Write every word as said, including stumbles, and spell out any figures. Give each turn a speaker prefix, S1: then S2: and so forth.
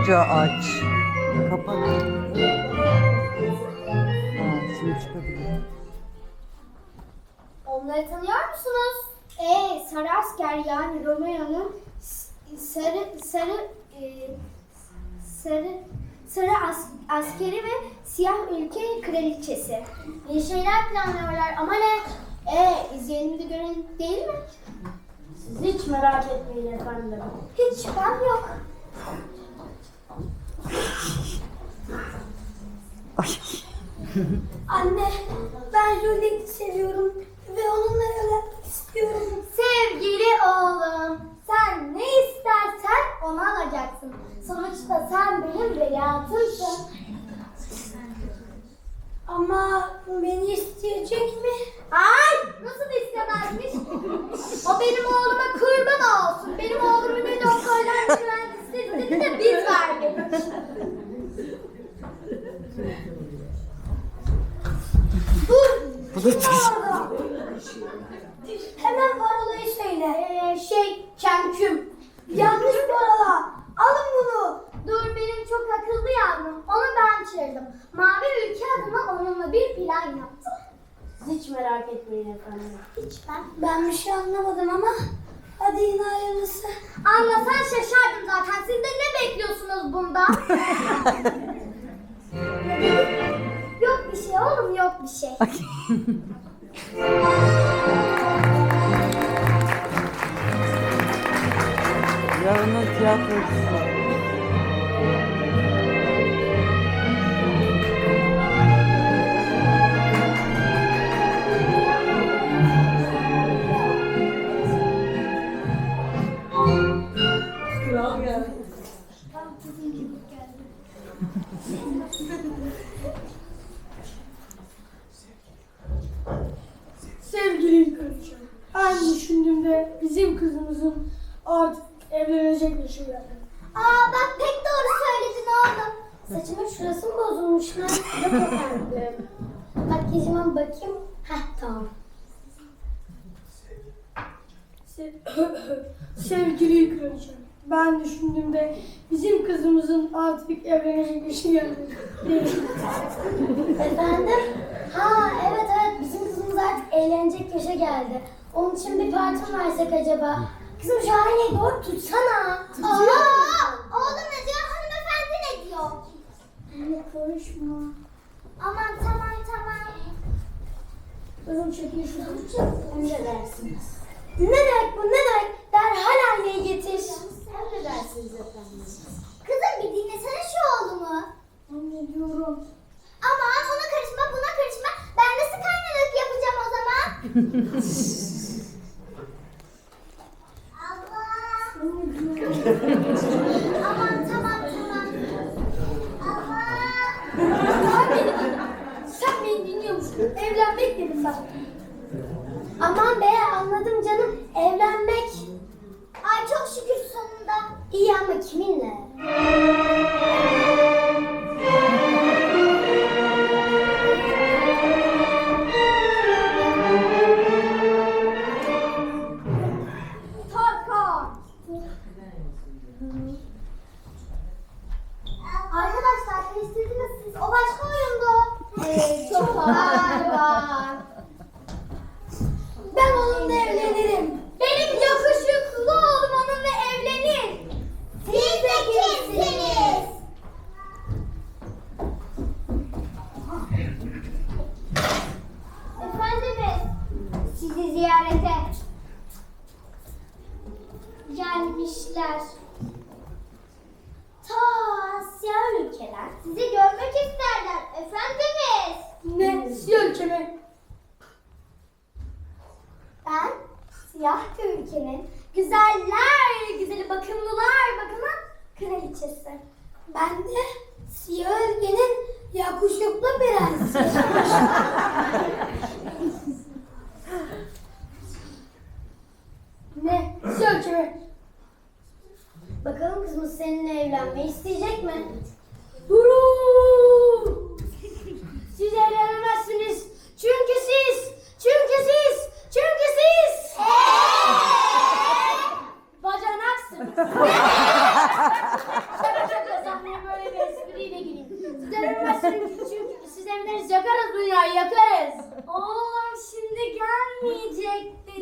S1: çıkınca aç. Kapat. Ha, şimdi çıkabilir.
S2: Onları tanıyor musunuz? Ee, sarı asker yani Romeo'nun sarı sarı e, sarı sarı as, askeri ve siyah ülke kraliçesi. Bir şeyler planlıyorlar ama ne? Ee, izleyelim de görelim değil mi?
S3: Siz hiç merak etmeyin efendim.
S2: Hiç şüphem yok.
S1: Ay.
S2: Anne, ben Juliet'i seviyorum ve onunla evlenmek istiyorum. Sevgili oğlum, sen ne istersen onu alacaksın. Sonuçta sen benim veliahtımsın. Ama beni isteyecek mi? Ay, nasıl istemezmiş? O benim oğluma kurban olsun. Benim oğlumu ne doktorlar mühendisleri istedi de biz vermedik. Dur!
S1: Bu da
S2: Orada. Hemen parolayı söyle. Ee, şey, kenküm. Yanlış parola. Alın bunu. Dur, benim çok akıllı yavrum. Onu ben çığırdım. Mavi ülke adına onunla bir plan yaptım.
S3: Siz hiç merak etmeyin efendim.
S2: Hiç ben. Ben bir şey anlamadım ama hadi yine hayırlısı. Anlasan şaşardım zaten. Siz de ne bekliyorsunuz bundan? Yok bir şey oğlum, yok bir şey.
S1: Yarının tiyatrocusu.
S3: Kral geldi. Sevgili kraliçem, ben düşündüğümde bizim kızımızın artık evlenecek yaşı geldi.
S2: Aa bak, pek doğru söyledin oğlum. Saçımın şurası mı bozulmuş lan? Yok efendim. Makyajıma bakayım. Heh, tamam.
S3: Se- Sevgili kraliçem, ben düşündüğümde bizim kızımızın artık evlenecek yaşı geldi.
S2: Efendim? Ha evet evet, bizim kızımız artık eğlenecek yaşa geldi. Onun için bir parti mi versek acaba? Kızım şu aileyi doğru tutsana. Aa, oğlum ne diyor? Hanımefendi ne diyor? Anne konuşma. Aman tamam tamam.
S3: Kızım çekil şuradan.
S2: Emredersiniz. Ne demek bu, ne demek? Derhal aileyi getir.
S3: Emredersiniz efendim.
S2: Kızım bir dinlesene şu oğlumu.
S3: Anne diyorum.
S2: Aman ona karışma, buna karışma. Ben nasıl kaynalık yapacağım o zaman? Allah. Aman tamam tamam. Allah.
S3: Sen beni dinliyor musun? Evlenmek dedim ben.
S2: Aman be, anladım canım. Evlenmek. Ay çok şükür sonunda. İyi ama kiminle? Tarkan. Arkadaşlar karıştırdınız siz. O başka oyundu. Evet, çok var. Ben onunla evlenirim. Benim yakışıklı oğlum onunla evlenir. Siz de kimsiniz? Efendimiz, sizi ziyarete gelmişler. Ta Asya ülkeler sizi görmek isterler efendimiz.
S3: Ne? Siyah ülkeme.
S2: Ben siyah bir ülkenin güzeller güzeli, bakımlılar bakımı kraliçesi. Ben de siyah ülkenin yakışıklı prensi.
S3: Ne? Siyah ülkeme.
S2: Bakalım kızımız seninle evlenmeyi isteyecek mi?
S3: Durun! Siz evlenemezsiniz. Çünkü siz, çünkü siz, çünkü siz bacanaksınız. Şaka şaka, Görünmesin küçük. Siz emleriz yakarız dünyayı yakarız. Oğlum şimdi gelmeyecekti.